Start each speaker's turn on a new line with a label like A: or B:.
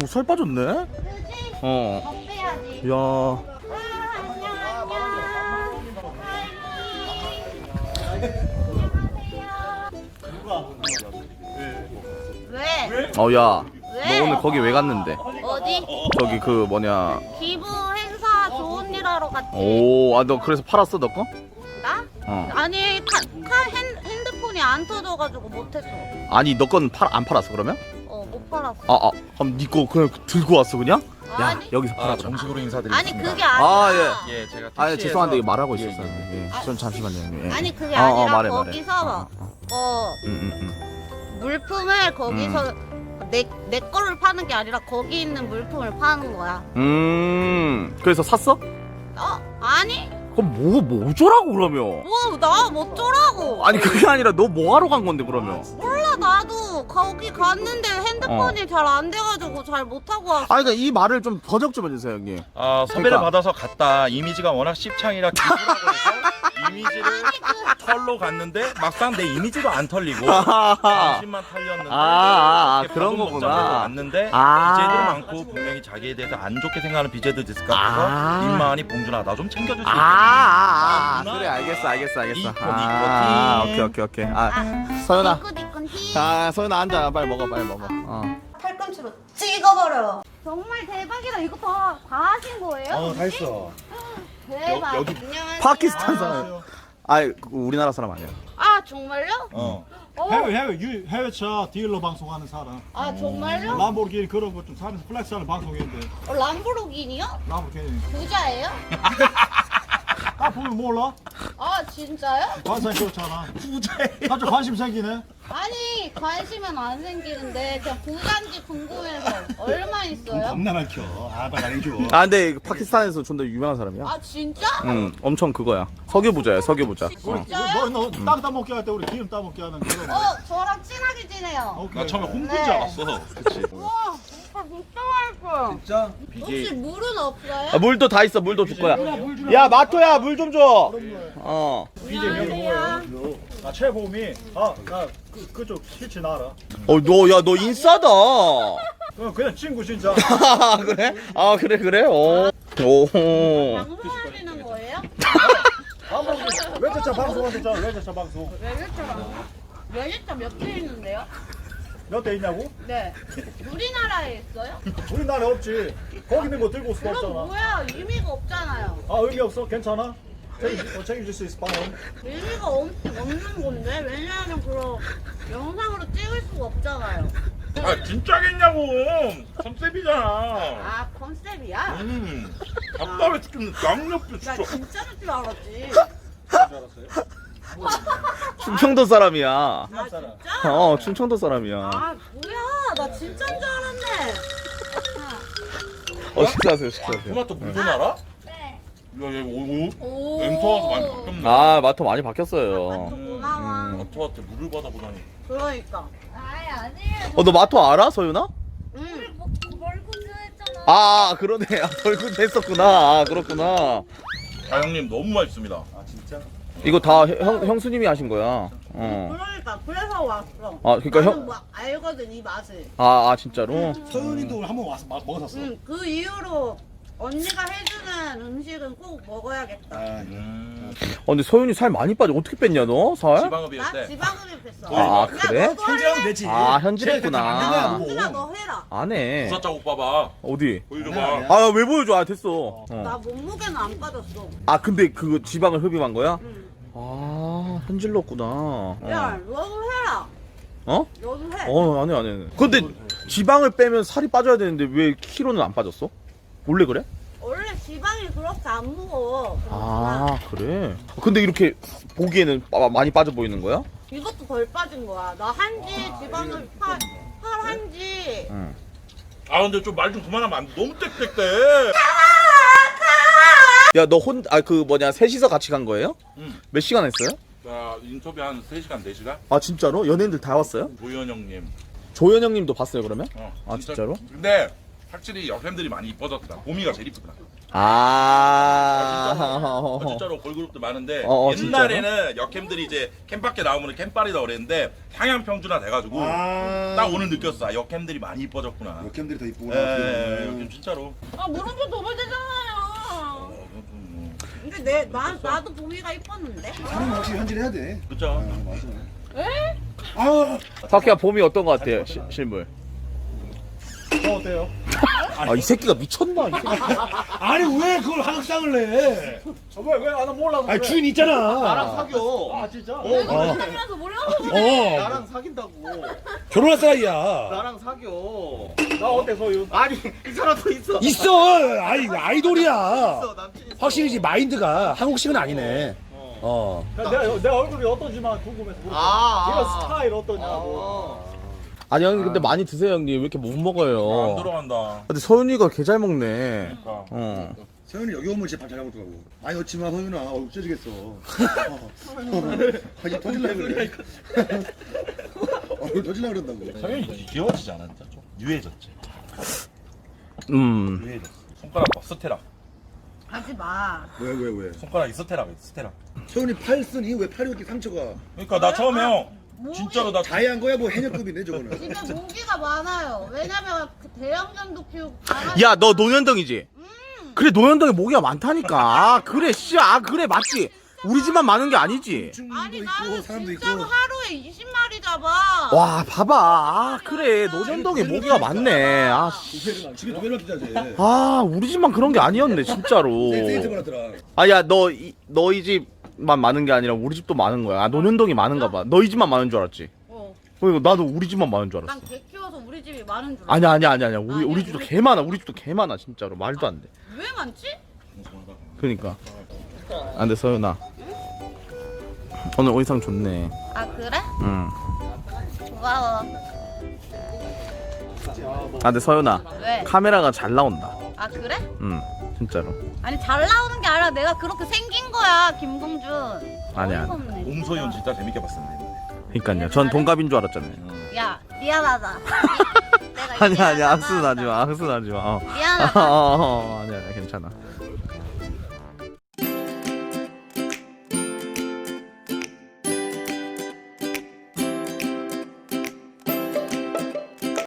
A: 살 빠졌네?
B: 그지?
A: 어.
B: 더 빼야지.
A: 야.
B: 안녕, 안녕. 왜?
A: 어, 야.
B: 왜?
A: 너 오늘 거기 왜 갔는데?
B: 어디?
A: 저기 그 뭐냐.
B: 기부 행사 좋은 일 하러 갔지.
A: 오, 아, 너 그래서 팔았어, 너 거?
B: 나?
A: 어.
B: 아니, 핸드폰이 안 터져가지고 못했어.
A: 아니, 너 건 안 팔았어, 그러면?
B: 못 팔았어.
A: 그럼 니 거 그냥 들고 왔어, 그냥? 야,
B: 아니.
A: 여기서 팔아.
C: 정식으로 인사드리겠습니다.
B: 아니, 그게 아니라.
C: 예, 제가
A: 아,
C: 택시에서
A: 죄송한데 이거 말하고
C: 예,
A: 있었어요.
C: 예.
A: 예. 전 잠시만요. 예.
B: 아니, 그게
A: 어,
B: 아니라
A: 말해.
B: 거기서
A: 응.
B: 물품을 거기서 내 거를 파는 게 아니라 거기 있는 물품을 파는 거야.
A: 그래서 샀어?
B: 아니?
A: 그럼 뭐 어쩌라고 그러면?
B: 나 뭐 어쩌라고?
A: 아니 그게 아니라 너 뭐 하러 간 건데 그러면?
B: 몰라, 나도 거기 갔는데 핸드폰이 잘 안 돼가지고 잘 못하고 왔어.
A: 아니 그러니까 이 말을 좀 번역 좀 해주세요 형님.
C: 섭외를
A: 그러니까.
C: 받아서 갔다. 이미지가 워낙 씹창이라 기부라고 해서 이미지를 털로 갔는데 막상 내 이미지도 안 털리고 당신만 털렸는데 이렇게
A: 그런
C: 밥은
A: 거구나.
C: 먹자고 왔는데 BJ들 많고 분명히 자기에 대해서 안 좋게 생각하는 BJ들 있을 것 같아서 입만이 봉준아 나 좀 챙겨줄 수 있겠니?
A: 그래 알겠어.
C: 이코,
A: 오케이. 서연아.
B: 니꾼 히.
A: 서연아 앉아 빨리 먹어.
B: 팔꿈치로 찍어버려. 정말 대박이다. 이거 다 하신 거예요?
C: 다 했어.
B: 대박.
C: 여기
B: 안녕하세요.
A: 파키스탄 사람. 우리나라 사람 아니야.
B: 아, 정말요?
D: 해외차 딜러 방송하는 사람.
B: 아, 정말요?
D: 람보르기니 그런 거 좀 사면서 플렉스하는 방송인데.
B: 람보르기니요?
D: 람보르기니.
B: 부자예요?
D: 딱 보면 몰라?
B: 아, 진짜요?
D: 관상이 그렇잖아. 갑자기 관심 생기네.
B: 아니, 관심은 안 생기는데 그냥 부자인지 궁금해서. 얼마 있어요?
D: 겁나만 켜. 나 해줘.
A: 근데 파키스탄에서 존나 유명한 사람이야.
B: 아, 진짜?
A: 응, 엄청 그거야. 석유부자야, 석유부자.
B: 진짜요?
D: 너땅 따먹게 할 때 우리 기름 따먹게 하는 그런.
B: 저랑 친하게 지내요.
D: 오케이.
C: 나 처음에 홍보인
B: 네.
C: 줄 알았어. 그치.
B: 우와, 오빠 진짜 맛있어요.
C: 진짜?
B: 혹시 물은 없어요?
A: 물도 다 있어, 물도 줄 거야. 야, 마토야, 물 좀 줘.
B: 안녕하세요.
D: 나 최보미. 나 그쪽 실치 나라.
A: 너 인싸다.
D: 그냥 친구 진짜.
A: 그래? 그래. 오.
B: 방송하시는 거예요?
D: 외제차 방송하셨잖아. 외제차 방송.
B: 외제차 몇 대 있는데요?
D: 몇 대 있냐고?
B: 네. 우리나라에 있어요?
D: 우리나라에 없지. 거기 있는 거 들고 올 수가
B: 그럼
D: 없잖아.
B: 뭐야? 의미가 없잖아요.
D: 의미 없어? 괜찮아? 책임질 수 있어, 방금.
B: 의미가 없는 건데? 왜냐하면 그럼 영상으로 찍을 수가 없잖아요.
C: 진짜겠냐고. 컨셉이잖아.
B: 컨셉이야?
C: 답답해 죽겠네. 양옆에
B: 나 진짜일 줄 알았지.
A: 충청도 사람이야.
B: 아, 진짜?
A: 충청도 사람이야.
B: 뭐야? 나 진짜인 줄 알았네.
A: 식사하세요.
C: 토마토 물좀 알아?
B: 네.
C: 야, 얘
B: 오.
C: 엔터 와서 많이 바뀌었네.
A: 마토 많이 바뀌었어요.
B: 고마워.
C: 엔터한테 물을 받아보다니.
B: 그러니까.
E: 아니에요.
A: 너 마토 알아, 서윤아?
B: 응.
E: 멀군주 했잖아.
A: 그러네. 벌금 했었구나. 그렇구나.
C: 형님 너무 맛있습니다.
A: 이거 다 형수님이 하신 거야.
B: 그러니까 그래서 왔어.
A: 그러니까
B: 나는 뭐 알거든 이 맛을.
A: 진짜로?
D: 서윤이도 한번 와서 먹었었어.
B: 그 이후로 언니가 해주는 음식은 꼭 먹어야겠다.
A: 근데 서윤이 살 많이 빠져. 어떻게 뺐냐, 너? 살?
B: 나
C: 지방흡입 때.
B: 지방흡입했어.
A: 그래?
B: 너도 할래?
D: 되지.
A: 현질했구나.
B: 누나 너 해라.
A: 안 해.
C: 부사 자국 봐봐.
A: 어디?
C: 보여줘봐.
A: 왜 보여줘? 됐어.
B: 나 몸무게는 안 빠졌어.
A: 근데 그 지방을 흡입한 거야?
B: 응.
A: 현질렀구나.
B: 야, 너도 해라.
A: 어?
B: 너도 해.
A: 안 해. 근데 지방을 빼면 살이 빠져야 되는데 왜 키로는 안 빠졌어? 원래 그래?
B: 원래 지방이 그렇게 안 무거워. 그렇구나.
A: 그래? 근데 이렇게 보기에는 많이 빠져 보이는 거야?
B: 이것도 덜 빠진 거야. 나 한지 지방을 팔 한지.
A: 응.
C: 근데 좀 말 좀 그만하면 안 돼. 너무 땡땡대.
A: 야, 너 셋이서 같이 간 거예요?
C: 응.
A: 몇 시간 했어요?
C: 자, 인터뷰 한 3시간, 4시간?
A: 진짜로? 연예인들 다 왔어요?
C: 조현 형님.
A: 조현 형님도 봤어요, 그러면?
C: 진짜.
A: 진짜로?
C: 근데 확실히 여캠들이 많이 이뻐졌더라. 봄이가 제일 이쁘더라. 진짜로 걸그룹도 많은데 옛날에는 여캠들이 이제 캠 밖에 나오면 캠빨이다 그랬는데 상향 평준화 돼가지고 딱 오늘 느꼈어. 아, 여캠들이 많이 이뻐졌구나.
F: 여캠들이 더 이쁘구나.
C: 여캠 진짜로.
B: 아 물음표 도발되잖아요. 근데 나도 봄이가 이뻤는데.
F: 사람 확실히 현질해야 돼.
C: 그쵸?
F: 맞아.
D: 아,
A: 타키야 봄이 어떤 거 같아요? 실물.
D: 저 어때요?
A: 이 새끼가 미쳤나? 이 새끼.
D: 아니 왜 그걸 하극상을 내? 왜나 몰라서.
F: 아니 주인 있잖아.
A: 나랑 사겨.
D: 아 진짜?
B: 사귀면서 몰라서
A: 나랑 사귄다고.
F: 결혼할 사이야.
A: 나랑 사겨.
D: 나 어때 소윤?
A: 아니 이 사람도 있어.
F: 있어. 아이돌이야.
A: 남친 있어.
F: 확실히 이제 마인드가 한국식은 아니네.
D: 내 얼굴이 어떤지만 궁금해서 물어봐. 이런 스타일 어떠냐고.
A: 아니 형님 근데 많이 드세요 형님. 왜 이렇게 못 먹어요?
C: 안 들어간다.
A: 근데 서윤이가 개 잘 먹네.
C: 그러니까.
F: 서윤이 여기 오면 진짜 밥 잘 먹더라고. 많이 넣지 마 서윤아. 얼굴 찢어지겠어. 이제 터질라 그래. 얼굴 터질라 그런다고.
C: 성현이 귀여워지지 않았죠? 좀 유해졌지. 유해졌어. 손가락 봐, 스테라.
B: 하지 마.
F: 왜?
C: 손가락이 스테라가 있어, 스테라.
F: 서윤이 팔 쓰니 왜 팔이 이렇게 상처가?
C: 그러니까 나 처음에 형
B: 목이-
C: 진짜로 나
F: 자해한 거야 뭐 해녀급이네 저거는.
B: 진짜 모기가 많아요. 왜냐면 그 대형견도 키우고 강아지.
A: 야 너 노년덩이지? 그래 노년덩이 모기가 많다니까. 그래 그래 맞지? 우리 집만 많은 게 아니지.
B: 아니
F: 도
B: 나는
F: 있고 사람도 있고.
B: 진짜로 하루에 20마리 잡아.
A: 와 봐봐. 그래 노년덩이 모기가 많네.
F: 집에 두 개나 두자지.
A: 우리 집만 그런 게 아니었네 진짜로.
F: 세이트 받았더라.
A: 아야 너희 집만 많은 게 아니라 우리 집도 많은 거야. 노년동이 많은가 봐. 너희 집만 많은 줄 알았지. 그러니까 나도 우리 집만 많은 줄 알았어.
B: 난 개 키워서 우리 집이 많은 줄 알아.
A: 아니야. 우리
B: 아니야,
A: 집도
B: 우리
A: 개 많아. 우리 집도 개 많아 진짜로. 말도 안 돼.
B: 왜 많지?
A: 그러니까. 근데 서윤아. 오늘 의상 좋네.
B: 아 그래?
A: 응.
B: 고마워.
A: 근데 서윤아.
B: 왜?
A: 카메라가 잘 나온다.
B: 아 그래?
A: 응. 진짜로.
B: 아니 잘 나오는 게 아니라 내가 그렇게 생긴 거야 김동준.
A: 아니야.
B: 어이가 없네, 진짜.
C: 옴소연 진짜 재밌게 봤었는데.
A: 그러니까요. 전 동갑인 줄 알았잖아요.
B: 야 미안하다. 내가
A: 아니야.
B: 미안하다.
A: 악수는 하지 마. 악수는 하지 마.
B: 미안하다.
A: 아니야. 괜찮아.